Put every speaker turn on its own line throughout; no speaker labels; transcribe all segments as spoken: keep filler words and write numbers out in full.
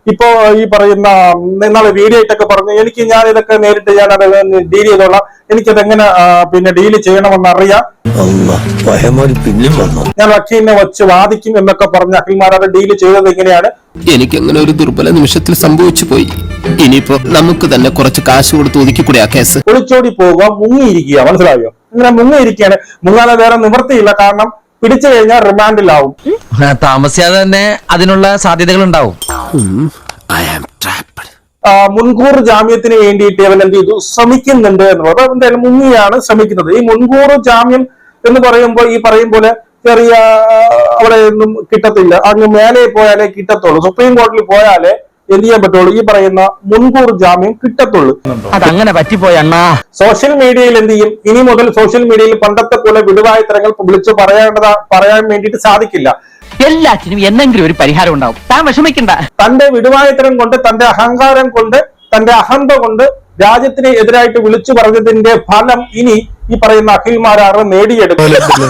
ഇപ്പോ ഈ പറയുന്ന നിങ്ങളെ വീഡിയോ ആയിട്ടൊക്കെ പറഞ്ഞു എനിക്ക് ഞാൻ ഇതൊക്കെ നേരിട്ട് ഞാൻ അത് ഡീൽ ചെയ്തോളാം, എനിക്കത് എങ്ങനെ പിന്നെ ഡീൽ ചെയ്യണമെന്ന് അറിയാം, ഞാൻ വക്കീലിനെ വെച്ച് വാദിക്കും എന്നൊക്കെ പറഞ്ഞ അഖിൽമാർ അത് ഡീൽ ചെയ്തത് എങ്ങനെയാണ്?
എനിക്ക് അങ്ങനെ ഒരു ദുർബല നിമിഷത്തിൽ സംഭവിച്ചു പോയി. ഇനിയിപ്പോ നമുക്ക് തന്നെ കുറച്ച് കാശ് കൊടുത്ത് ഒതുക്കിക്കൂടെ ആ കേസ്?
ഒളിച്ചോടി പോവുക, മുങ്ങിയിരിക്കുക, മനസ്സിലായോ? ഇങ്ങനെ മുങ്ങിയിരിക്കുകയാണ്. മുങ്ങാതെ വേറെ നിവൃത്തിയില്ല, കാരണം പിടിച്ചു കഴിഞ്ഞാൽ റിമാൻഡിലാവും.
താമസിയാതെ തന്നെ അതിനുള്ള സാധ്യതകൾ ഉണ്ടാവും.
മുൻകൂർ ജാമ്യത്തിന് വേണ്ടിയിട്ട് അവൻ എന്ത് ചെയ്തു, ശ്രമിക്കുന്നുണ്ട് എന്നുള്ളത്. എന്തായാലും മുങ്ങിയാണ് ശ്രമിക്കുന്നത്. ഈ മുൻകൂർ ജാമ്യം എന്ന് പറയുമ്പോൾ ഈ പറയും പോലെ ചെറിയ അവിടെ ഒന്നും കിട്ടത്തില്ല, അങ്ങ് മേലെ പോയാലേ കിട്ടത്തുള്ളൂ, സുപ്രീം കോടതിയിൽ പോയാലേ എന്ത് ചെയ്യാൻ പറ്റുള്ളൂ, ഈ പറയുന്ന മുൻകൂർ ജാമ്യം കിട്ടത്തുള്ളൂ.
അതങ്ങനെ പറ്റിപ്പോയ അണ്ണാ.
സോഷ്യൽ മീഡിയയിൽ എന്ത് ചെയ്യും, ഇനി മുതൽ സോഷ്യൽ മീഡിയയിൽ പണ്ടത്തെ പോലെ വിടുവായുത്തരങ്ങൾ വിളിച്ചു പറയേണ്ടതാ പറയാൻ വേണ്ടിയിട്ട് സാധിക്കില്ല.
എല്ലാത്തിനും എന്തെങ്കിലും ഒരു പരിഹാരം ഉണ്ടാവും, താൻ വിഷമിക്കണ്ട.
തന്റെ വിടുവായുത്തരം കൊണ്ട്, തന്റെ അഹങ്കാരം കൊണ്ട്, തന്റെ അഹന്ത കൊണ്ട് രാജ്യത്തിന് എതിരായിട്ട് വിളിച്ചു പറഞ്ഞതിന്റെ ഫലം ഇനി ഈ പറയുന്ന അഖിൽമാരാറ് നേടിയെടുക്കും.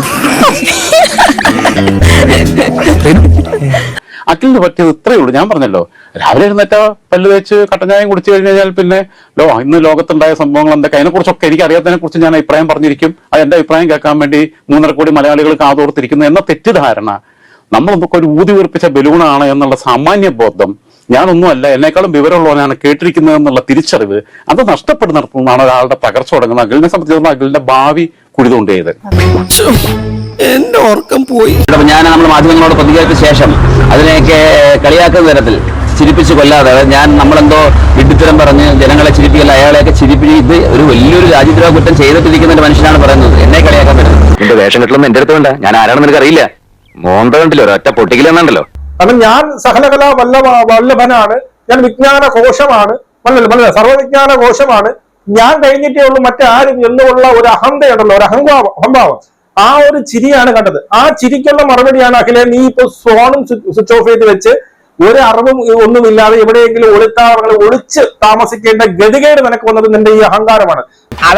അഖിലിന് പറ്റിയത് ഇത്രയേ ഉള്ളൂ. ഞാൻ പറഞ്ഞല്ലോ, രാവിലെ എഴുന്നേറ്റ പല്ല് തേച്ച് കട്ടഞ്ഞായം കുടിച്ചു കഴിഞ്ഞാൽ പിന്നെ ലോ ഇന്ന് ലോകത്തുണ്ടായ സംഭവങ്ങൾ എന്തൊക്കെ അതിനെ കുറിച്ചൊക്കെ എനിക്ക് അറിയാത്തതിനെ കുറിച്ച് ഞാൻ അഭിപ്രായം പറഞ്ഞിരിക്കും. അത് എന്റെ അഭിപ്രായം കേൾക്കാൻ വേണ്ടി മൂന്നര കോടി മലയാളികൾ കാതോർത്തിരിക്കുന്നു എന്ന തെറ്റിദ്ധാരണ, നമ്മളൊക്കെ ഒരു ഊതി വീർപ്പിച്ച ബലൂണാണ് എന്നുള്ള സാമാന്യ ബോധം, ഞാനൊന്നുമല്ല എന്നെക്കാളും വിവരമുള്ളവനാണ് കേട്ടിരിക്കുന്നത് എന്നുള്ള തിരിച്ചറിവ്, അത് നഷ്ടപ്പെടുന്നിടത്തുനിന്നാണ് ഒരാളുടെ തകർച്ച തുടങ്ങുന്നത്. അഖിലിനെ സംബന്ധിച്ചിടത്തോളം അഖിലിന്റെ ഭാവി കുഴിതുകൊണ്ടേത്.
എന്റെ ഓർക്കം പോയി.
ഞാൻ നമ്മൾ മാധ്യമങ്ങളോട് പ്രതികരിച്ച ശേഷം അതിനെയൊക്കെ കളിയാക്കുന്ന തരത്തിൽ ചിരിപ്പിച്ച് കൊല്ലാതെ ഞാൻ നമ്മളെന്തോ വിഡ്ഢിത്തരം പറഞ്ഞ് ജനങ്ങളെ ചിരിപ്പിക്കല്ല, അയാളെയൊക്കെ ചിരിപ്പിച്ച് ഇത് ഒരു വലിയൊരു രാജ്യദ്രോഹ കുറ്റം ചെയ്തിട്ടിരിക്കുന്ന ഒരു മനുഷ്യനാണ് പറയുന്നത്. എന്നെ കളിയാക്കാൻ പറ്റുന്നത് എന്റെ വേഷം കെട്ടലൊന്നും എന്റെ അടുത്ത് വേണ്ട, ഞാൻ ആരാണെന്ന് നിനക്ക് അറിയില്ല. മോന്ത കണ്ടില്ലോ, ഒരൊറ്റ പൊട്ടിക്കലെന്നുണ്ടല്ലോ.
കാരണം ഞാൻ സകലകലാ വല്ലഭ വല്ലഭനാണ്, ഞാൻ വിജ്ഞാന കോശമാണ്, മനസ്സിലായി, സർവ്വവിജ്ഞാന കോശമാണ്, ഞാൻ കഴിഞ്ഞിട്ടേ ഉള്ളൂ മറ്റാരും എന്നുള്ള ഒരു അഹന്തയുണ്ടല്ലോ, ഒരു അഹംഭാവം അഹംഭാവം ആ ഒരു ചിരിയാണ് കണ്ടത്. ആ ചിരിക്കുള്ള മറുപടിയാണ് അഖിലെ, നീ ഇപ്പൊ ഫോണും സ്വിച്ച് ഓഫ് ചെയ്ത് വെച്ച് ഒരു അറിവും ഒന്നുമില്ലാതെ എവിടെയെങ്കിലും ഒളിത്താവളങ്ങൾ ഒളിച്ച് താമസിക്കേണ്ട ഗതികേട് നിനക്ക് വന്നത് നിന്റെ ഈ അഹങ്കാരമാണ്.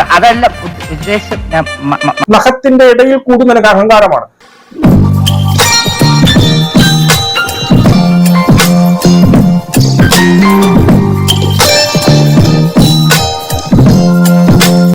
അതല്ല ഉദ്ദേശം,
നഖത്തിന്റെ ഇടയിൽ കൂടി നിനക്ക് അഹങ്കാരമാണ്.